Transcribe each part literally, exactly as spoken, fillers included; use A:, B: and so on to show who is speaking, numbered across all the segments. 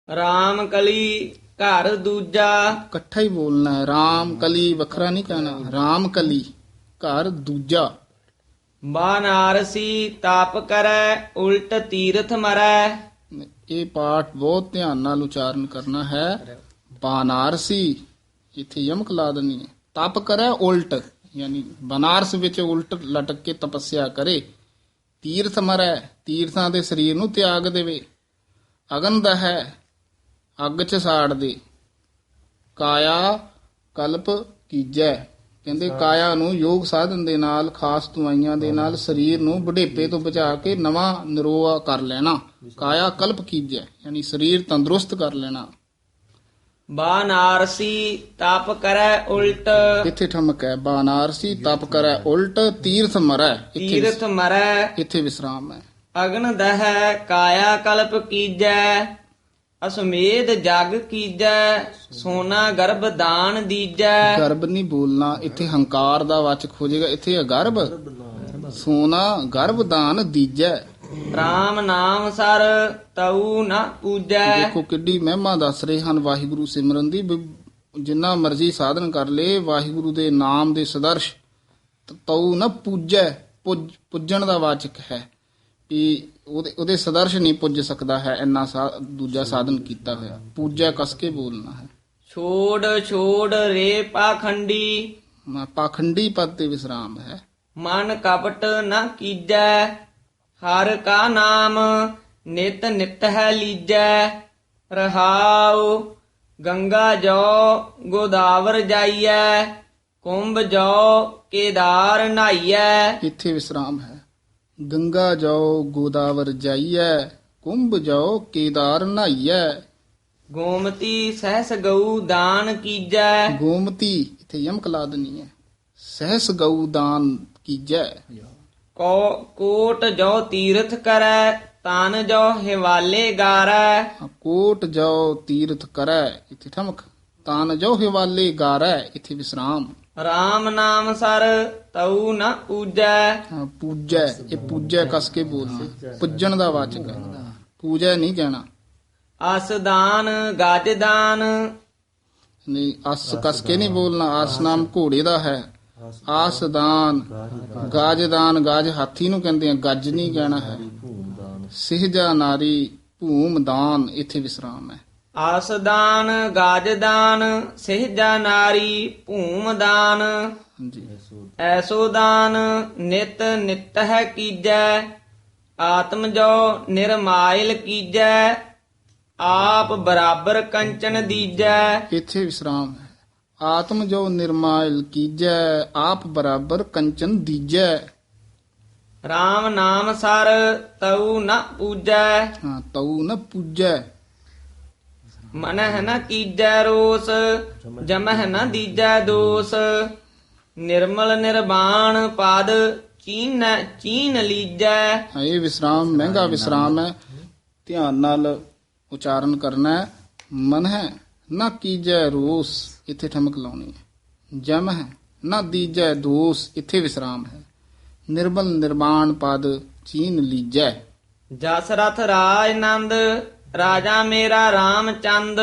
A: ਰਾਮ ਕਲੀ ਘਰ ਦੂਜਾ।
B: ਇਕੱਠਾ ਹੀ ਬੋਲਣਾ ਹੈ। ਰਾਮ ਕਲੀ ਵੱਖਰਾ ਨਹੀਂ ਕਹਿਣਾ। ਰਾਮ ਕਲੀ ਘਰ ਦੂਜਾ।
A: ਬਾਨਾਰਸੀ ਤਾਪ ਕਰੈ ਉਲਟ ਤੀਰਥ ਮਰੈ।
B: ਇਹ ਪਾਠ ਬਹੁਤ ਧਿਆਨ ਨਾਲ ਉਚਾਰਨ ਕਰਨਾ ਹੈ। ਬਾਨਾਰਸੀ ਇੱਥੇ ਯਮਕ ਲਾ ਦੇਣੀ ਹੈ। ਤਪ ਕਰੈ ਉਲਟ ਯਾਨੀ ਬਨਾਰਸ ਵਿੱਚ ਉਲਟ ਲਟਕ ਕੇ ਤਪੱਸਿਆ ਕਰੇ। ਤੀਰਥ ਮਰੈ ਤੀਰਥਾਂ ਦੇ ਸਰੀਰ ਨੂੰ ਤਿਆਗ ਦੇਵੇ। ਅਗਨ ਦਾ ਹੈ ਅੱਗ ਚ ਸਾੜ ਦੇ। ਕਾਇਆ ਕਲਪ ਕੀਜੈ ਕਹਿੰਦੇ ਕਾਇਆ ਨੂੰ ਯੋਗ ਸਾਧਨ ਦੇ ਨਾਲ ਖਾਸ ਦਵਾਈਆਂ ਦੇ ਨਾਲ ਸਰੀਰ ਨੂੰ ਬੁਢੇਪੇ ਤੋਂ ਬਚਾ ਕੇ ਨਵਾਂ ਨਿਰੋਆ ਕਰ ਲੈਣਾ। ਕਾਇਆ ਕਲਪ ਕੀਜੈ ਯਾਨੀ ਸਰੀਰ ਤੰਦਰੁਸਤ ਕਰ ਲੈਣਾ।
A: ਬਾਨਾਰਸੀ ਤਪ ਕਰੈ ਉਲਟ।
B: ਇੱਥੇ ਠਮਕ ਹੈ। ਬਾਨਾਰਸੀ ਤਪ ਕਰੈ ਉਲਟ ਤੀਰਥ ਮਰੈ। ਇੱਥੇ
A: ਤੀਰਥ ਮਰੈ
B: ਇੱਥੇ ਵਿਸਰਾਮ ਹੈ।
A: ਅਗਨ ਦਹੈ ਕਾਇਆ ਕਲਪ ਕੀਜੈ। ਅਸਮੇਧ ਜਗ ਕੀਜੈ ਸੋਨਾ ਗਰਭ ਦਾਨ ਦੀਜੈ।
B: ਗਰਭ ਨਹੀਂ ਬੋਲਣਾ। ਇੱਥੇ ਹੰਕਾਰ ਦਾ ਵਾਚਕ ਹੋ ਜਾਏਗਾ। ਇੱਥੇ ਹੈ ਗਰਭ। ਸੋਨਾ ਗਰਭ ਦਾਨ ਦੀਜੈ।
A: ਰਾਮ ਨਾਮ ਸਰ ਤਉ ਨ ਪੂਜੈ।
B: ਦੇਖੋ ਕਿੱਡੀ ਮਹਿਮਾ ਦੱਸ ਰਹੇ ਹਨ ਵਾਹਿਗੁਰੂ ਸਿਮਰਨ ਦੀ। ਵੀ ਜਿੰਨਾ ਮਰਜ਼ੀ ਸਾਧਨ ਕਰ ਲੇ ਵਾਹਿਗੁਰੂ ਦੇ ਨਾਮ ਦੇ ਸਦਰਸ਼ ਤਉ ਨ ਪੂਜੈ। ਪੁੱਜ ਪੁੱਜਣ ਦਾ ਵਾਚਕ ਹੈ ਵੀ ਉਹਦੇ ਉਹਦੇ ਸਦਰਸ਼ ਨਹੀਂ ਪੁੱਜ ਸਕਦਾ ਹੈ। ਇੰਨਾ ਸਾ- ਦੂਜਾ ਸਾਧਨ ਕੀਤਾ ਹੋਇਆ। ਪੂਜੈ ਕਸ ਕੇ ਬੋਲਣਾ ਹੈ।
A: ਛੋੜ ਛੋੜ ਰੇ ਪਾਖੰਡੀ।
B: ਮ- ਪਾਖੰਡੀ ਪਦ ਤੇ ਵਿਸਰਾਮ ਹੈ।
A: ਮਨ ਕਪਟ ਨ ਕੀਜੈ। ਹਰ ਕਾ ਨਾਮ ਨਿਤ ਨਿਤ ਹੈ ਲੀਜੈ। ਰਹਾਉ ਗੰਗਾ ਜੋ ਗੋਦਾਵਰ ਜਾਈਐ। ਕੁੰਭ ਜੋ ਕੇਦਾਰ ਨਹਾਈਐ।
B: ਇੱਥੇ ਵਿਸਰਾਮ ਹੈ। ਗੰਗਾ ਜਾਓ ਗੋਦਾਵਰ ਜਾਈਐ। ਕੁੰਭ ਜਾਓ ਕੇਦਾਰ ਨਹਾਈਐ।
A: ਗੋਮਤੀ ਸਹਸ ਗਊ ਦਾਨ ਕੀਜੈ।
B: ਗੋਮਤੀ ਇੱਥੇ ਯਮਕ ਲਾ ਦੇਣੀ ਹੈ। ਸਹਿਸ ਗਊ ਦਾਨ ਕੀਜੈ।
A: ਕੋ ਕੋਟ ਜੋ ਤੀਰਥ ਕਰੈ। ਤਨ ਜੋ ਹਿਵਾਲੇ ਗਾਰੈ।
B: ਕੋਟ ਜਾਓ ਤੀਰਥ ਕਰੈ। ਇੱਥੇ ਠਮਕ। ਤਾਨ ਜੋ ਹਿਵਾਲੇ ਗਾਰੈ। ਇੱਥੇ ਵਿਸਰਾਮ।
A: ਰਾਮ ਨਾਮ ਸਰ ਤਉ ਨ ਪੂਜੈ।
B: ਹਾਂ, ਪੂਜੈ ਇਹ ਪੂਜੈ ਕਸ ਕੇ ਬੋਲਣਾ। ਪੁੱਜਣ ਦਾ ਵਾਚਕ ਹੈ। ਪੂਜੈ ਨਹੀਂ ਕਹਿਣਾ।
A: ਅਸ ਦਾਨ ਗਜ ਦਾਨ।
B: ਨਹੀਂ ਅਸ ਕਸ ਕੇ ਨਹੀਂ ਬੋਲਣਾ। ਆਸ ਨਾਮ ਘੋੜੇ ਦਾ ਹੈ। ਆਸ ਦਾਨ ਗਾਜ ਦਾਨ। ਗਾਜ ਹਾਥੀ ਨੂੰ ਕਹਿੰਦੇ ਆ। ਗੱਜ ਨਹੀਂ ਕਹਿਣਾ ਹੈ। ਸਿਹਜਾ ਨਾਰੀ ਭੂਮ ਦਾਨ। ਇੱਥੇ ਵਿਸਰਾਮ ਹੈ।
A: ਆਸ ਦਾਨ ਗਜ ਦਾਨ ਸਹਿਜਾ ਨਾਰੀ ਭੂਮ ਦਾਨ।
B: ਹਾਂਜੀ
A: ਐਸੋ ਦਾਨ ਨਿਤ ਨਿਤ ਹੈ ਕੀਜੈ। ਆਤਮ ਜੋ ਨਿਰਮਾਇਲ ਕੀਜੈ। ਆਪ ਬਰਾਬਰ ਕੰਚਨ ਦੀਜੈ।
B: ਇੱਥੇ ਵਿਸਰਾਮ ਹੈ। ਆਤਮ ਜੋ ਨਿਰਮਾਇਲ ਕੀਜੈ। ਆਪ ਬਰਾਬਰ ਕੰਚਨ ਦੀਜੈ।
A: RAM ਨਾਮ ਸਰ ਤਉ ਨ ਪੂਜੈ।
B: ਹਾਂ ਤਉ ਨ ਪੂਜੈ।
A: ਮਨਹਿ ਨ ਕੀਜੈ ਰੋਸ। ਜਮਹਿ ਨ ਦੀਜੈ ਦੋਸ। ਨਿਰਮਲ ਨਿਰਵਾਣ ਪਦ ਚੀਨ ਚੀਨ ਲੀਜੈ।
B: ਹਾਂ, ਇਹ ਵਿਸਰਾਮ ਮਹਿੰਗਾ ਵਿਸਰਾਮ ਹੈ। ਧਿਆਨ ਨਾਲ ਉਚਾਰਨ ਕਰਨਾ ਹੈ। ਮਨ ਹੈ ਨਾ ਕੀਜੈ ਰੋਸ। ਇੱਥੇ ਠਮਕ ਲਾਉਣੀ ਹੈ। ਜਮ ਹੈ ਨਾ ਦੀਜੈ ਦੋਸ। ਇੱਥੇ ਵਿਸਰਾਮ ਹੈ। ਨਿਰਮਲ ਨਿਰਮਾਣ ਪਦ ਚੀਨ ਲੀਜੈ।
A: ਜਸ ਰਥ ਰਾਜ ਨੰਦ ਰਾਜਾ ਮੇਰਾ ਰਾਮਚੰਦ।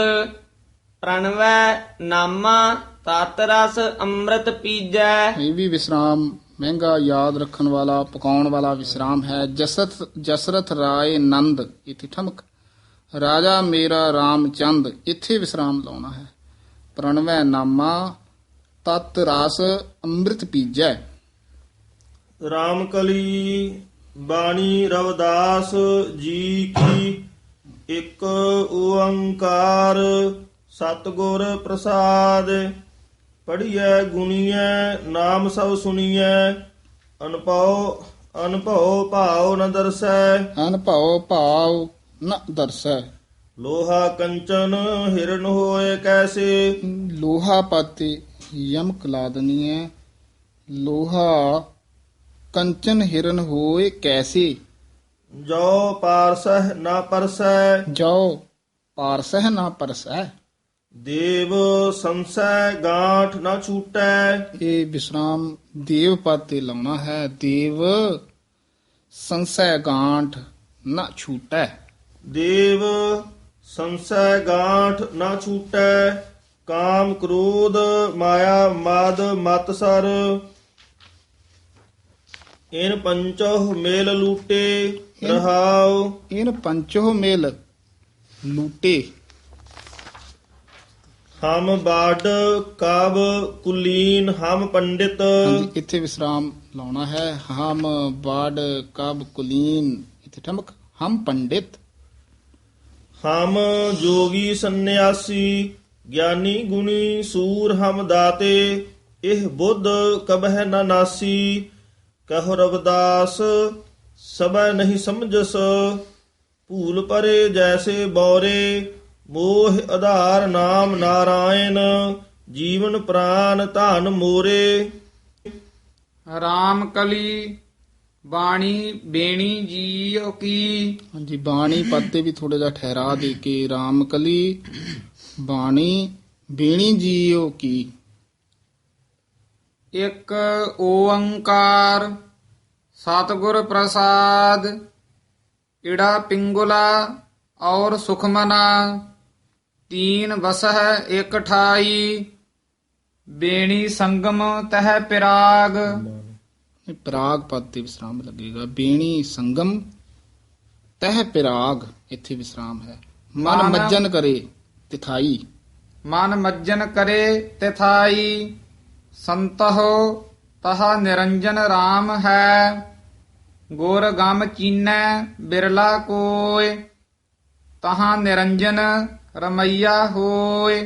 A: ਪ੍ਰਣਵੈ ਨਾਮਾ ਤਤ ਰਸ ਅੰਮ੍ਰਿਤ ਪੀਜੈ।
B: ਇਹ ਵੀ ਵਿਸਰਾਮ ਮਹਿੰਗਾ ਯਾਦ ਰੱਖਣ ਵਾਲਾ ਪਕਾਉਣ ਵਾਲਾ ਵਿਸਰਾਮ ਹੈ। ਜਸਰਥ ਜਸਰਥ ਰਾਏ ਨੰਦ। ਇੱਥੇ ਠਮਕ। ਰਾਜਾ ਮੇਰਾ ਰਾਮਚੰਦ। ਇੱਥੇ ਵਿਸਰਾਮ ਲਾਉਣਾ ਹੈ। ਪ੍ਰਣਵੈ ਨਾਮਾ ਤਤ ਰਸ ਅੰਮ੍ਰਿਤ ਪੀਜੈ।
C: ਰਾਮਕਲੀ ਬਾਣੀ ਰਵਿਦਾਸ ਜੀ ਕੀ। ਇੱਕ ਓੰਕਾਰ ਸਤਿਗੁਰ ਪ੍ਰਸਾਦ। ਪੜੀਐ ਗੁਣੀਐ ਨਾਮ ਸਭ ਸੁਣੀਐ। ਅਨਭਉ ਅਨਭਉ ਭਾਉ ਨ ਦਰਸੈ।
B: ਅਨਭਉ ਭਾਵ ਨ ਦਰਸੈ।
C: ਲੋਹਾ ਕੰਚਨ ਹਿਰਨ ਹੋਏ ਕੈਸੇ।
B: ਲੋਹਾ ਪਾਤੇ ਯਮਕ ਲਾ ਦੇਣੀ ਹੈ। ਲੋਹਾ ਕੰਚਨ ਹਿਰਨ ਹੋਏ ਕੈਸੇ।
C: ਜੋ ਪਾਰਸਹਿ ਨਾ ਪਰਸੈ।
B: ਜੋ ਪਾਰਸਹਿ ਨਾ ਪਰਸੈ।
C: ਦੇਵ ਸੰਸੈ ਗਾਂਠ ਨਾ ਛੂਟੈ।
B: ਇਹ ਵਿਸਰਾਮ ਦੇਵ ਪਦ ਤੇ ਲਾਉਣਾ ਹੈ। ਦੇਵ ਸੰਸੈ ਗਾਂਠ ਨਾ ਛੂਟੈ।
C: ਦੇਵ ਸੰਸੈ ਗਾਂਠ ਨਾ ਛੂਟੈ ਕਾਮ ਕ੍ਰੋਧ ਮਾਇਆ ਮਦ ਮਤ ਸਰ ਇਨ ਪੰਚੋ ਮੇਲ ਲੂਟੇ ਰਹਾਉ
B: ਇਨ ਪੰਚੋ ਮੇਲ ਲੂਟੇ।
C: ਹਮ ਬਾਡ ਕਾਬ ਕੁਲੀਨ ਹਮ ਪੰਡਿਤ
B: ਹਾਂਜੀ, ਇੱਥੇ ਵਿਸਰਾਮ ਲਾਉਣਾ ਹੈ। ਹਮ ਬਾੜ ਕਬ ਕੁਲੀਨ, ਇੱਥੇ ਠਮਕ। ਹਮ ਪੰਡਿਤ।
C: ਹਮ ਜੋਗੀ ਸੰਨਿਆਸੀ ਗਿਆਨੀ ਗੁਣੀ ਸੂਰ ਹਮ ਦਾਤੇ ਇਹ ਬੁੱਧ ਕਬਹਿ ਨਾ ਨਾਸੀ ਕਹੋ ਰਵਿਦਾਸ ਸਬੈ ਨਹੀਂ ਸਮਝਸ ਭੂਲ ਪਰੇ ਜੈਸੇ ਬੌਰੇ ਮੋਹ ਆਧਾਰ ਨਾਮ ਨਾਰਾਇਣ ਜੀਵਨ ਪ੍ਰਾਨ ਧਨ ਮੋਰੇ।
D: ਰਾਮ ਕਲੀ ਬਾਣੀ ਬੇਣੀ ਜੀਉ ਕੀ।
B: ਹਾਂਜੀ, ਬਾਣੀ ਪਦ ਤੇ ਵੀ ਥੋੜਾ ਜਿਹਾ ਠਹਿਰਾ ਦੇ ਕੇ ਰਾਮ ਕਲੀ ਬਾਣੀ ਬੇਣੀ ਜੀਓ ਕੀ।
D: ਇੱਕ ਓੰਕਾਰ ਸਤਿਗੁਰ ਪ੍ਰਸਾਦ ਇੜਾ ਪਿੰਗੁਲਾ ਔਰ ਸੁਖਮਨਾ ਤੀਨ ਵਸਹ ਇਕ ਠਾਈ ਬੇਣੀ ਸੰਗਮ ਤਹ ਪਿਰਾਗ।
B: ਇਹ ਪਿਰਾਗ ਪਦ ਤੇ ਵਿਸਰਾਮ ਲੱਗੇਗਾ। ਬੇਣੀ ਸੰਗਮ ਤਹ ਪਿਰਾਗ, ਇੱਥੇ ਵਿਸਰਾਮ ਹੈ। ਮਨ
D: ਮਨ-
B: ਮੱਜਨ ਕਰੇ ਤਿਥਾਈ।
D: ਮਨ ਮੱਜਨ ਕਰੇ ਤਿਥਾਈ ਸੰਤਹੁ ਤਹਾ ਨਿਰੰਜਨ RAM ਹੈ ਗੁਰ ਗਮ ਚੀਨੈ ਬਿਰਲਾ ਕੋਇ ਤਹਾ ਨਿਰੰਜਨ ਰਮਈਆ ਹੋਇ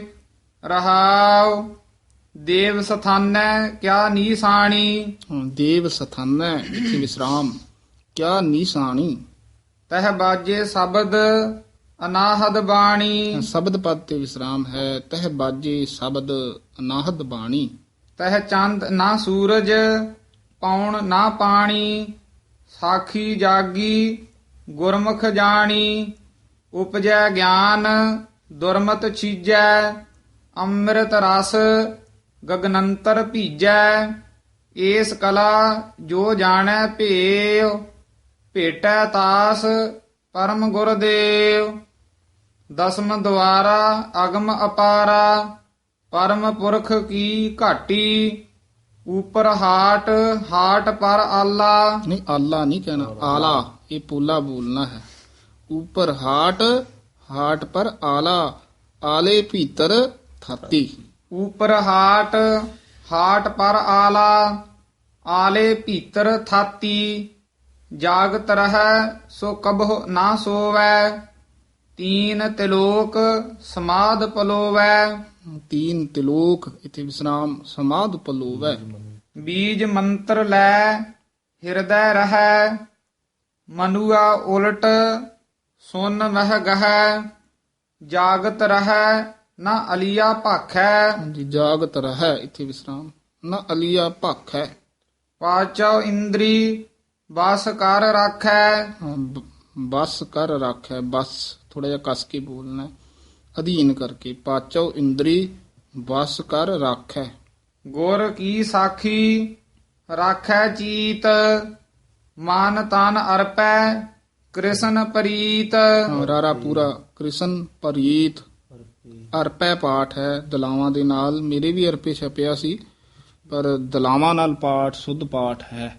D: ਰਹਾਉ ਦੇਵ ਸਥਾਨੈ ਕਿਆ ਨੀਸਾਣੀ
B: ਹਾਂ, ਦੇਵ ਸਥਾਨੈ, ਇੱਥੇ ਵਿਸਰਾਮ। ਕਿਆ ਨੀਸਾਣੀ।
D: ਤਹ ਬਾਜੇ ਸ਼ਬਦ ਅਨਾਹਦ ਬਾਣੀ
B: ਸ਼ਬਦ ਪਦ ਤੇ ਵਿਸਰਾਮ ਹੈ। ਤਹ ਬਾਜੇ ਸ਼ਬਦ ਅਨਾਹਦ ਬਾਣੀ।
D: ਤਹ ਚੰਦ ਨਾ ਸੂਰਜ ਪੌਣ ਨਾ ਪਾਣੀ ਸਾਖੀ ਜਾਗੀ ਗੁਰਮੁਖ ਜਾਣੀ ਉਪਜੈ ਗਿਆਨ ਦੁਰਮਤ ਛੀਜੈ ਅੰਮ੍ਰਿਤ ਰਸ ਗਗਨੰਤਰ ਭੀਜੈ ਏਸ ਕਲਾ ਜੋ ਜਾਣੈ ਭੇਉ ਭੇਟੈ ਤਾਸ ਪਰਮ ਗੁਰਦੇਵ ਦਸਮ ਦੁਆਰਾ ਅਗਮ ਅਪਾਰਾ ਪਰਮ ਪੁਰਖ ਕੀ ਘਾਟੀ ਉਪਰ ਹਾਟ ਹਾਟ ਪਰ ਆਲਾ।
B: ਨਹੀਂ, ਆਲਾ ਨਹੀਂ ਕਹਿਣਾ, ਆਲਾ। ਇਹ ਪੋਲਾ ਬੋਲਣਾ ਹੈ। ਉਪਰ ਹਾਟ ਹਾਟ ਪਰ ਆਲਾ ਆਲੇ ਭੀਤਰ ਥਾਤੀ।
D: ਉਪਰ ਹਾਟ ਹਾਟ ਪਰ ਆਲਾ ਆਲੇ ਭੀਤਰ ਥਾਤੀ ਜਾਗਤ ਰਹੈ ਸੋ ਕਬਹੁ ਨਾ ਸੋਵੈ ਤੀਨ ਤਿਲੋਕ ਸਮਾਧ ਪਲੋਵੈ।
B: ਤੀਨ ਤਿਲੋਕ, ਇੱਥੇ ਵਿਸਰਾਮ। ਸਮਾਧ ਪਲੋਵੈ।
D: ਬੀਜ ਮੰਤਰ ਲੈ ਹਿਰਦੈ ਰਹੈ ਮਨੁਆ ਉਲਟ ਸੁਨ ਮਹਿ ਗਹੈ ਜਾਗਤ ਰਹੈ ਨਾ ਅਲੀਆ ਭਾਖੈ
B: ਹਾਂਜੀ, ਜਾਗਤ ਰਹੈ, ਇੱਥੇ ਵਿਸਰਾਮ। ਨਾ ਅਲੀਆ ਭਾਖੈ।
D: ਪਾਚਉ ਇੰਦਰੀ ਬਸ ਕਰ ਰਾਖੈ
B: ਹਾਂ, ਬ- ਬਸ ਕਰ ਰੱਖੈ। ਬਸ ਥੋੜਾ ਜਿਹਾ ਕਸ ਕੇ ਬੋਲਣਾ ਹੈ, ਅਧੀਨ ਕਰਕੇ। ਪਾਚੋ ਇੰਦਰੀ ਬਸ ਕਰ ਰੱਖੈ।
D: ਗੁਰ ਕੀ ਸਾਖੀ ਰਾਖੈ ਚੀਤ ਮਨ ਤਨ ਅਰਪੈ ਕ੍ਰਿਸ਼ਨ ਪ੍ਰੀਤ।
B: ਹਾਂ, ਰਾਰਾ ਪੂਰਾ। ਕ੍ਰਿਸ਼ਨ ਪ੍ਰੀਤ ਅਰਪੈ ਪਾਠ ਹੈ ਦਲਾਵਾਂ ਦੇ ਨਾਲ। ਮੇਰੇ ਵੀ ਅਰਪੇ ਛਪਿਆ ਸੀ, ਪਰ ਦਲਾਵਾਂ ਨਾਲ ਪਾਠ ਸੁੱਧ ਪਾਠ ਹੈ।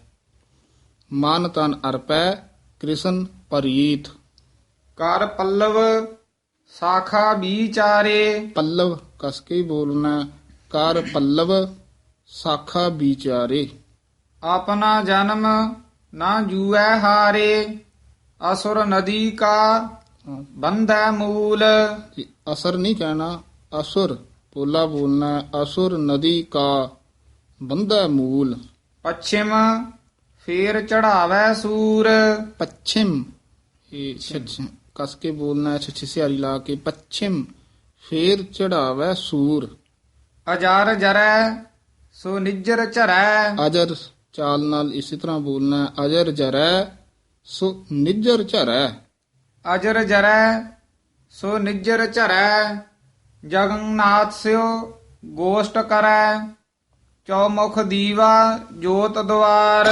B: ਮਨ ਤਨ ਅਰਪੈ ਕ੍ਰਿਸ਼ਨ ਪ੍ਰੀਤ।
D: ਕਰ ਪੱਲਵ ਸਾਖਾ ਵਿਚਾਰੇ
B: ਪੱਲਵ ਕਸ ਕੇ ਹੀ ਬੋਲਣਾ ਹੈ। ਕਰ ਪੱਲਵ ਸਾਖਾ ਵਿਚਾਰੇ।
D: ਆਪਣਾ ਜਨਮ ਨਾ ਜੂਐ ਹਾਰੇ ਅਸੁਰ ਨਦੀ ਕਾ
B: ਹਾਂ,
D: ਬੰਧੈ ਮੂਲ।
B: ਜੀ, ਅਸਰ ਨਹੀਂ ਕਹਿਣਾ, ਅਸੁਰ ਪੋਲਾ ਬੋਲਣਾ ਹੈ। ਅਸੁਰ ਨਦੀ ਕਾ ਬੰਧੈ ਮੂਲ।
D: ਪੱਛਿਮ ਫੇਰ ਚੜਾਵੈ ਸੂਰ
B: ਪੱਛਿਮ, ਇਹ ਛਛ ਕਸ ਕੇ ਬੋਲਣਾ ਹੈ। ਛਛ ਸਿਆਰੀ ਲਾ ਕੇ। ਪੱਛਿਮ ਫੇਰ ਚੜਾਵੈ ਸੂਰ।
D: ਅਜਰ ਜਰੈ ਸੋ ਨਿਜਰ ਝਰੈ
B: ਅਜਰ ਚਾਲ ਨਾਲ ਇਸੇ ਤਰ੍ਹਾਂ ਬੋਲਣਾ ਹੈ। ਅਜਰ ਜਰੈ ਸੋ ਨਿਜਰ ਝਰੈ।
D: ਅਜਰ ਜਰੈ ਸੋ ਨਿਜਰ ਝਰੈ ਜਗਨਨਾਥ ਸਿਓ ਗੋਸ਼ਟ ਕਰੈ ਚੌਮੁਖ ਦੀਵਾ ਜੋਤ ਦੁਆਰ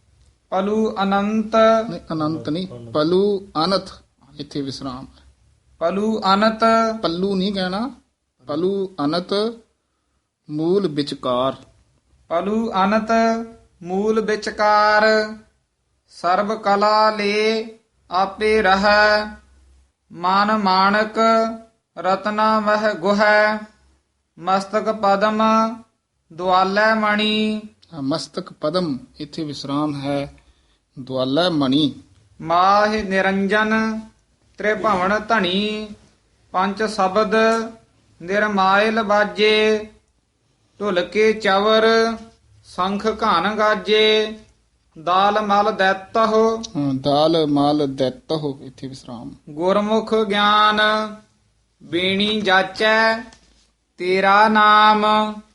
D: ਪਲੂ ਅਨੰਤ
B: ਨਹੀਂ, ਅਨੰਤ ਨਹੀਂ, ਪਲੂ ਅਨਥ, ਇੱਥੇ ਵਿਸਰਾਮ।
D: ਪਲੂ ਅਨਤ
B: ਪੱਲੂ ਨਹੀਂ ਕਹਿਣਾ, ਪਲੂ ਅਨਤ ਮੂਲ ਵਿਚਕਾਰ।
D: ਪਲੂ ਅਨਤ ਮੂਲ ਵਿਚਕਾਰ, ਸਰਬ ਕਲਾ ਲੇ ਆਪੇ ਰਹੈ, ਮਨ ਮਾਣਕ ਰਤਨਾ ਮਹਿ ਗੁਹੈ, ਮਸਤਕ ਪਦਮ ਦੁਆਲੈ ਮਣੀ,
B: ਮਸਤਕ ਪਦਮ ਇੱਥੇ ਵਿਸਰਾਮ ਹੈ, ਦੁਆਲਾ ਮਣੀ।
D: ਮਾਹਿ ਨਿਰੰਜਨ ਤ੍ਰਿਭਵਨ ਧਣੀ, ਪੰਜ ਸ਼ਬਦ ਨਿਰਮਾਇਲ ਬਾਜੇ, ਢੁਲਕੇ ਚਵਰ ਸੰਖ ਘਨ ਗਾਜੇ, ਦਾਲ ਮਲ ਦੈਤਹੁ
B: ਹਾਂ, ਦਾਲ ਮਾਲ ਦੈਤਹੁ ਇੱਥੇ ਵਿਸਰਾਮ।
D: ਗੁਰਮੁਖ ਗਿਆਨ ਬੀਣੀ ਜਾਚੈ, ਤੇਰਾ ਨਾਮ